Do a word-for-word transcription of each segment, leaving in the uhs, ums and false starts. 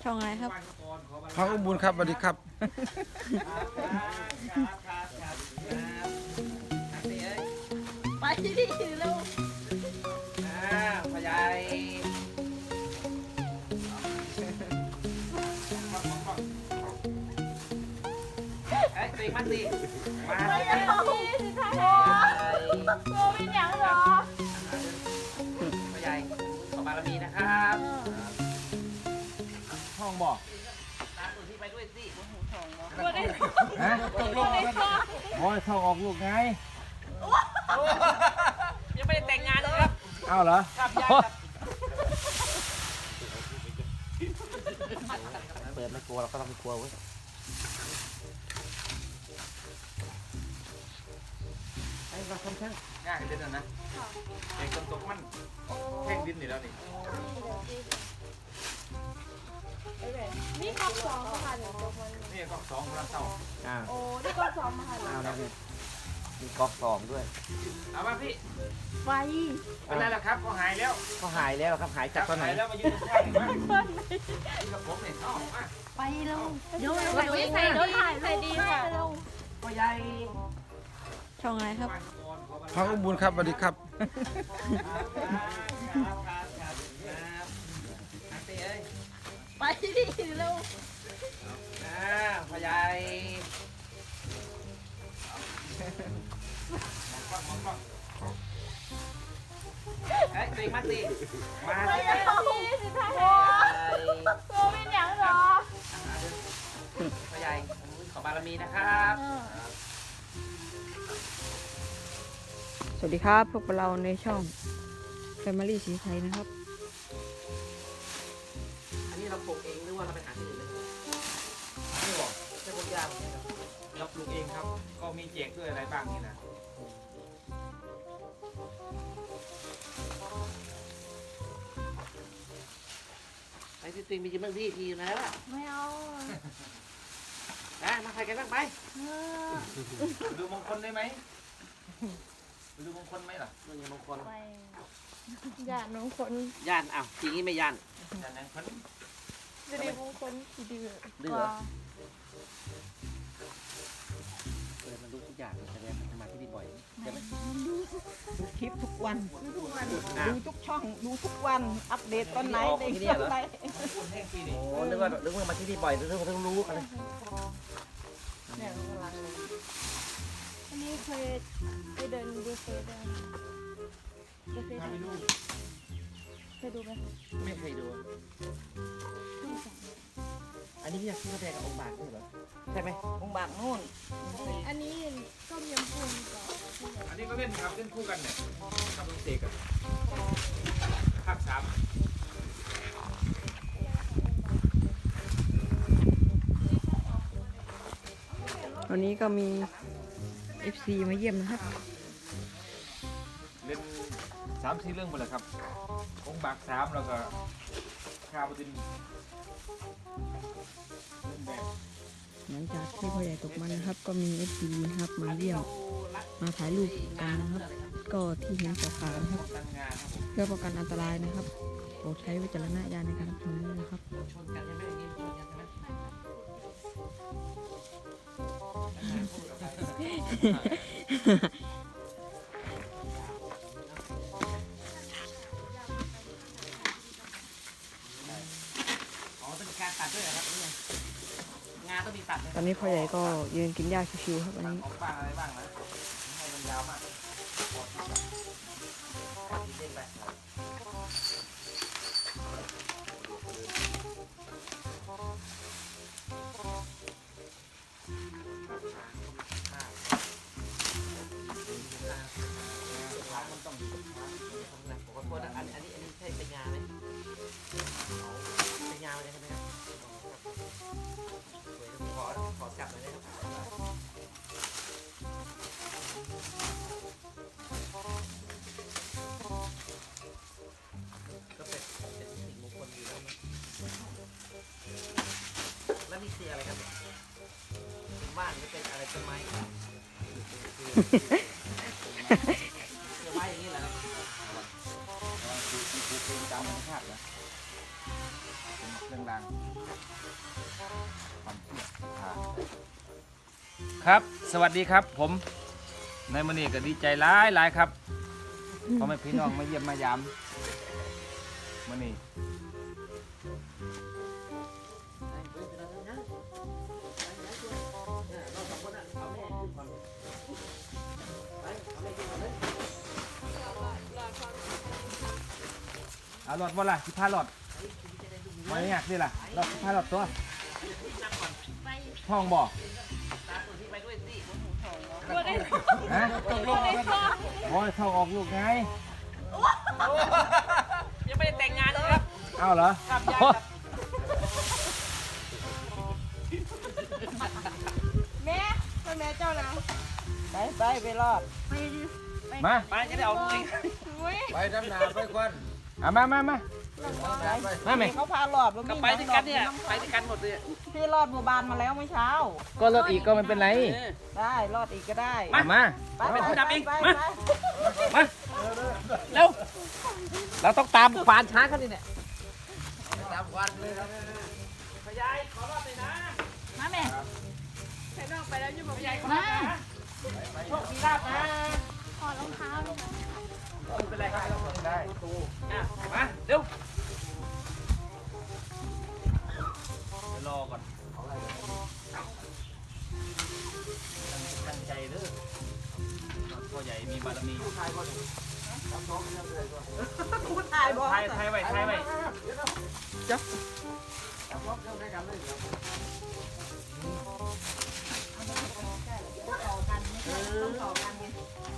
ช่องอะไรครับพังอุบุญครับสวัสดีครับไปดิเร็วพ่อใหญ่เอ้ยตีมันสิมาเลยโอ้ยสุดท้ายโอ้ยอย่างหรอพ่อใหญ่ขอบารมีนะครับห้องบอกตามตัวที่ไปด้วยสิตัวได้ฮะตกลงเลยค่ะโอ้ยเข้าออกลูกไงยังไม่ได้แต่งงานเลยครับอ้าวเหรอครับยากครับเปิดไม่กลัวเราก็ต้องไม่กลัวเว้ยไอ้เราทำช่างยากกันเด่นนะเด็กคนตกมันแข่งดินนี่แล้วนี่นี่กล้องสองมาค่ะเดี๋ยวตกมันนี่ก็สองกำลังเศร้าอ่าโอ้นี่กล้องสองมาค่ะเอาแล้วนี่มีก๊อกสองด้วยเอามาพี่ไฟเป็นไรล่ะครับเขาหายแล้วเขาหายแล้วครับหายจากตอนไหนแล้วมายืนข้างๆมายืนกับผมเนี่ยเอามาไปเร็วเดี๋ยวเร็วใส่ดีใส่ดีค่ะพ่อใหญ่ช่องอะไรครับพังอุบุญครับสวัสดีครับไปดิเร็วอ่าพ่อใหญ่เฮ้ยตีมาสิมาไปเลยเร็วสุดท้ายโอ้ยโอ้ยอย่างหรอพ่อใหญ่ขอบารมีนะครับสวัสดีครับพวกเราในช่อง Family สีไทยนะครับอันนี้เราปลูกเองหรือว่าเราไปหาที่อื่นเลยไม่บอกใช่พวกยากเราปลูกเองครับก็มีแจกด้วยอะไรบ้างนี่นะไอ้ที่ติงมีจิมเบอร์ที่ทีนะไม่เอาอ่ะมาใครกันบ้างไปดูมงคลได้ไหมดูมงคลไหมล่ะเรื่องมงคลไปญาติน้องคนย่านอ้าวทีนี้ไม่ย่านย่านไหนคนจะดีมงคลดีกดื้อว่าเออมันรู้ทุกอย่างแสดงมันมาที่นี่บ่อยใช่ไหมดูคลิปทุกวันอ่ะดูทุกช่อง ดูทุกวัน อัปเดตตอนไหนเด็กตอนไหนพูดแห้งทีนี่โอ้นึกว่านึกว่ามาที่นี่บ่อยนึกว่าเพิ่งรู้อะไรเนี่ยกำลังเลยอันนี้เคยไปเดินดูเคยเดินดูเคยเดินเคยดูไหมไม่เคยดู อันนี้พี่อยากซื้อกาแฟกับองค์บากด้วยเหรอใช่ไหมองค์บากนู่นอันนี้ต้มยำกุ้งกับอันนี้ก็เล่นครับเล่นคู่กันเนี่ยกับลุงเสกอะภาคสามวันนี้ก็มี เอฟ ซี มาเยี่ยมนะครับเล่นสามสี่เรื่องหมดเลยครับองค์บากสามแล้วก็ข้าวดินเล่นแบบหลังจากที่พ่อใหญ่ตกมันนะครับ ก็มี เอฟ ซี นะครับมาเยี่ยมมาถ่ายรูปกันนะครับ ก็ที่เห็นขาวๆนะครับตั้งงานครับผมเพื่อป้องกันอันตรายนะครับโปรดใช้วิจารณญาณในการรับชมด้วยนะครับชนกันใช่ไหมอย่างนี้ชนกันใช่ไหมอ๋อต้องมีการตัดด้วยเหรอครับเนี่ยงานต้องมีตัดไหมตอนนี้พ่อใหญ่ก็ยืนกินหญ้าชิวๆครับวันตัดนี้ออกบ้างอะไรบ้างนะให้มันยาวมากเด้งไปมันต้องขอโทษนะอันอันนี้อันนี้ใช่เป็นงานไหมเป็นงานอะไรใช่ไหมครับขอขอจับหน่อยได้ครับก็เป็นเป็นสิ่งมงคลอยู่แล้วนะแล้วนี่คืออะไรครับเป็นบ้านหรือเป็นอะไรต้นไม้ต้นไม้อย่างนี้เหรอครับคือคือคือตามธรรมชาตินะเเครื่องรางความเชื่อศรัทธาครับสวัสดีครับผมในมื้อนี้ก็ดีใจหลายหลายครับพ่อแม่พี่น้องมาเยี่ยมมายามมื้อนี้เอาหลอดบ่ล่ะสิพาหลอดมาเนี่ยนี่ล่ะหลอดสิพาหลอดตัวท้องบ่ฮะตกลงโอ้ยท้องออกลูกไงยังไม่ได้แต่งงานเลยครับเอาเหรอครับยายครับแม่ไปแม่เจ้านะไปไปไปรอดมาไปจะได้เอาลูกเองไปดำนาไปก่อนเอามามามามาไหมเขาพารอดบ่มีก็ไปด้วยกันเนี่ยไปด้วยกันหมดเลยพี่รอดหมู่บ้านมาแล้วเมื่อเช้าก็รถอีกก็ไม่เป็นไรได้รอดอีกก็ได้มามาไปเป็นผู้นำเองไปมาไปมาเร็วเราต้องตามควานช้างเขาดิเนี่ยตามวันเลยครับพยายขอรอบเลยนะมาแม่พยายขอรอบนะโชคดีลาบนะถอดรองเท้าเลยนะไม่เป็นไรครับได้อ่ะมาเร็วรอก่อนตั้งใจเด้อพ่อใหญ่มีบารมีพูดถ่ายบ่ไทยไทยไว้ไทยไว้ต้องต่อกันไง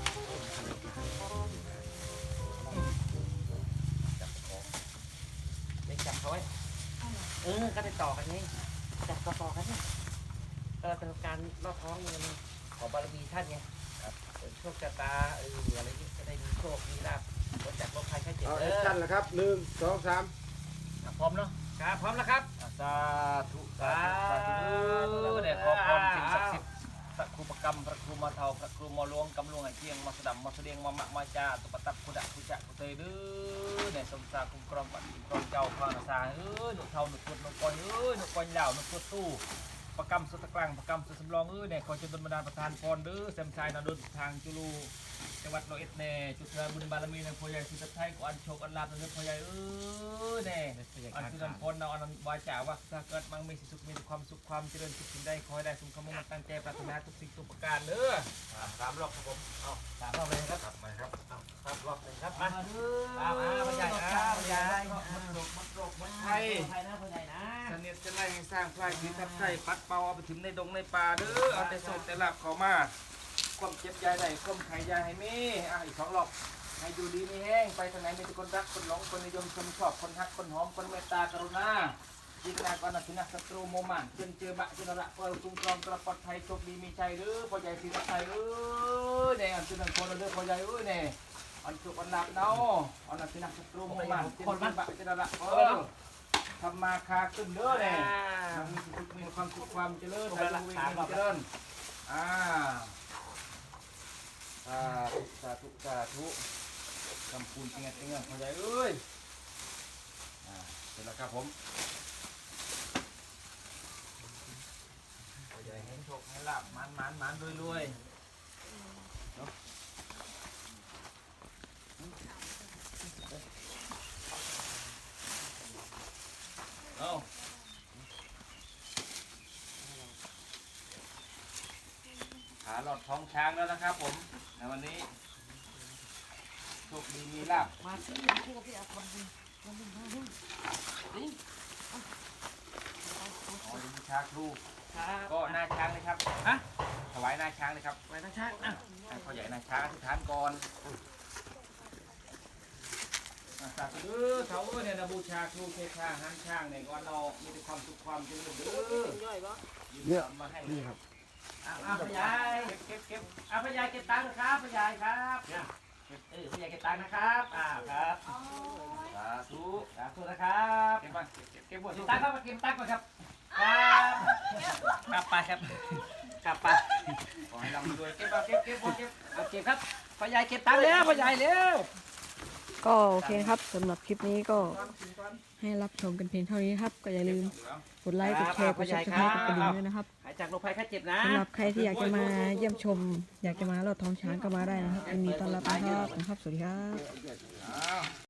ไม่จับเขาไว้เออก็ได้ต่อกันไงจับก็ต่อกันเนี่ยก็เป็นการลอดท้องเงินของบารมีท่านไงครับโชคชะตาเอออะไรนี้จะได้มีโชคมีลาภพ้นจากโรคภัยไข้เจ็บเอาเอแอคอชั่นแล้วครับหนึ่งสองสามพร้อมเนาะครับพร้อมแล้วครับสาธุสาธุสาธุก็ได้ขอพรสิ่งศักดิ์สิทธิ์พระครูประกรรมพระครูมาเทาพระครูมาหลวงกำลวงไอเจียงมาสดับมาเสดียงมามะมาจาตุปตับคุดะคุจะคุเตยดื้อในสมสาคุ้มครองบัตรคุ้มครองเจ้าพระนาซาเอ้ยหนุเทาหนุพุดหนุกอยเอ้ยหนุกอยเหล่าหนุพุดตู้ประกรรมสุตะกลางประกรรมสุสำรองเอ้ยเนี่ยขอจนดลบันดาลประทานพรดื้อเซมชายนาดุลทางจุลูจังหวัดร้อยเอ็ดเน่จุดเธอบุญบารมีในพ่อใหญ่สุดท้ายก็อันโชคอันลาบในพ่อใหญ่เอ้ยเน่อันคือนันพลเราอันนั้นวาจาว่าถ้าเกิดมั่งมีสุขมีความสุขความเจริญสุขสิ่งใดขอให้ได้สมคำมุ่งมั่นตั้งใจปรารถนาทุกสิ่งทุกประการเด้อสามรอบครับผมเอาสามรอบเลยครับกลับมาครับเอาครับรอบหนึ่งครับมามาเด้อเอามาพ่อใหญ่ครับพ่อใหญ่มันโรคมันโรคมันไทไข้ยไทยนะพ่อใหญ่นะเสนียดจะไล่ให้สร้างพลายพิทับไทยปัดเป่าเอาไปถึงในดงในป่าเด้อเอาแต่โศกแต่หลับเขามาความเจ็บยายใดความไข้ยายให้มีอ่ะอีกสองรอบให้อยู่ดีมีแห้งไปทางไหนมีแต่คนรักคนหลงคนนิยมชมชอบคนฮักคนหอมคนเมตตากรุณาจิตนาก่อนนะสินะศัตรูโมมันเจนเจอบะเจนระเปิดคุ้มครองตลอดปลอดภัยโชคดีมีใจเด้อพ่อใหญ่สิทธิ์ไทยเอ้ยเนี่ยอันเป็นคนเด้อพ่อใหญ่เอ้ยเนี่ยอันจุกอันหลับเนาะอันนั้นสินะศัตรูโมมันเจนเจอบะเจนระเปิดทำมาคาขึ้นเด้อเนี่ยมีสุขมีความสุขความเจริญอายุวิ่งเจริญอ่าสาธุสาธุสาธุคำพูนเตียงเตียงพ่อใหญ่เอ้ยอ่าเสร็จแล้วครับผมพ่อใหญ่เห็นโชคให้ลาบมันมันมันรวยรวยเนาะเอาขาหลอดท้องช้างแล้วนะครับผมในวันนี้โชคดีมีลาบมาซื้อคู่กับพี่อาคนนึงคนนึงมาดึงนี่อ๋อเดี๋ยวมีชาครูครับก็หน้าช้างเลยครับฮะถวายหน้าช้างเลยครับไปทางช้างอ่ะให้พ่อใหญ่หน้าช้างอธิษฐานก่อนอ่ะสาธุเด้อเขาเอ้ยเนี่ยนะบูชาครูเทพาหันช้างเนี่ยก่อนเรามีแต่ความสุขความเจริญเด้อเนี่ยมาให้นี่ครับอ่ะอ่ะพ่อใหญ่เก็บเก็บเก็บอ่ะพ่อใหญ่เก็บตังค์นะครับพ่อใหญ่ครับเออพ่อใหญ่เก็บตังค์นะครับอ่าครับสาธุสาธุนะครับเก็บมาเก็บเก็บเก็บหมดเก็ทุบกตังค์ครับมาเก็บตังค์ก่อนครับครับกลับไปครับกลับไปขอให้ร่ำรวยเก็บมาเก็บเก็บหมดเก็บเอาเก็บครับพ่อใหญ่เก็บตังค์แล้วพ่อใหญ่เร็วก็โอเคครับสำหรับคลิปนี้ก็ให้รับชมกันเพียงเท่านี้ครับ ก็อย่าลืมกดไลค์กดแชร์กดซับสไครต์กดกระดิ่งด้วยนะครับหายจากโรคภัยไข้เจ็บนะสำหรับใครที่อยากจะมาเยี่ยมชม อยากจะมาลอดท้องช้างก็มาได้นะครับยินดีต้อนรับนะครับขอบคุณครับสวัสดีครับ